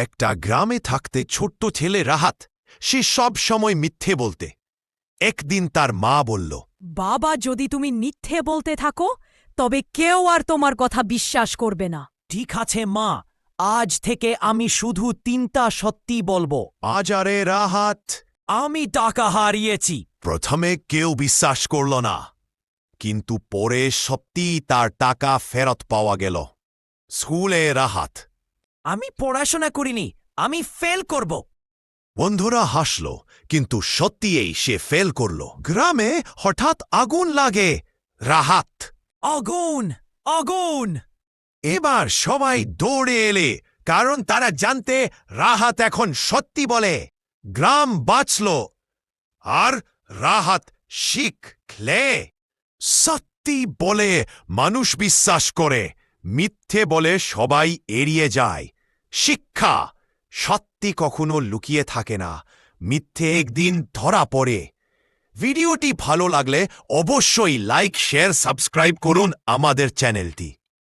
একটা গ্রামে থাকতে ছোট্ট ছেলে রাহাত। সে সব সময় মিথ্যে বলতে। একদিন তার মা বলল, বাবা, যদি তুমি মিথ্যে বলতে থাকো তবে কেউ আর তোমার কথা বিশ্বাস করবে না। ঠিক আছে মা, আজ থেকে আমি শুধু 3টা সত্যি বলবো। আজ আরে রাহাত। আমি টাকা হারিয়েছি। প্রথমে কেউ বিশ্বাস করল না, কিন্তু পরে সত্যিই তার টাকা ফেরত পাওয়া গেল। স্কুলে রাহাত। আমি পড়াশোনা করিনি, আমি ফেল করব। বন্ধুরা হাসল, কিন্তু সত্যিই সে ফেল করল। গ্রামে হঠাৎ আগুন লাগে। রাহাত, আগুন, আগুন! এবার সবাই দৌড়ে এলে, কারণ তারা জানতে রাহাত এখন সত্যি বলে। গ্রাম বাঁচল, আর রাহাত শিখলে সত্যি বলে মানুষ বিশ্বাস করে, মিথ্যে বলে সবাই এড়িয়ে যায়। শিক্ষা: সত্যি কখনো লুকিয়ে থাকে না, মিথ্যে একদিন ধরা পড়ে। ভিডিওটি ভালো লাগলে অবশ্যই লাইক, শেয়ার, সাবস্ক্রাইব করুন আমাদের চ্যানেলটি।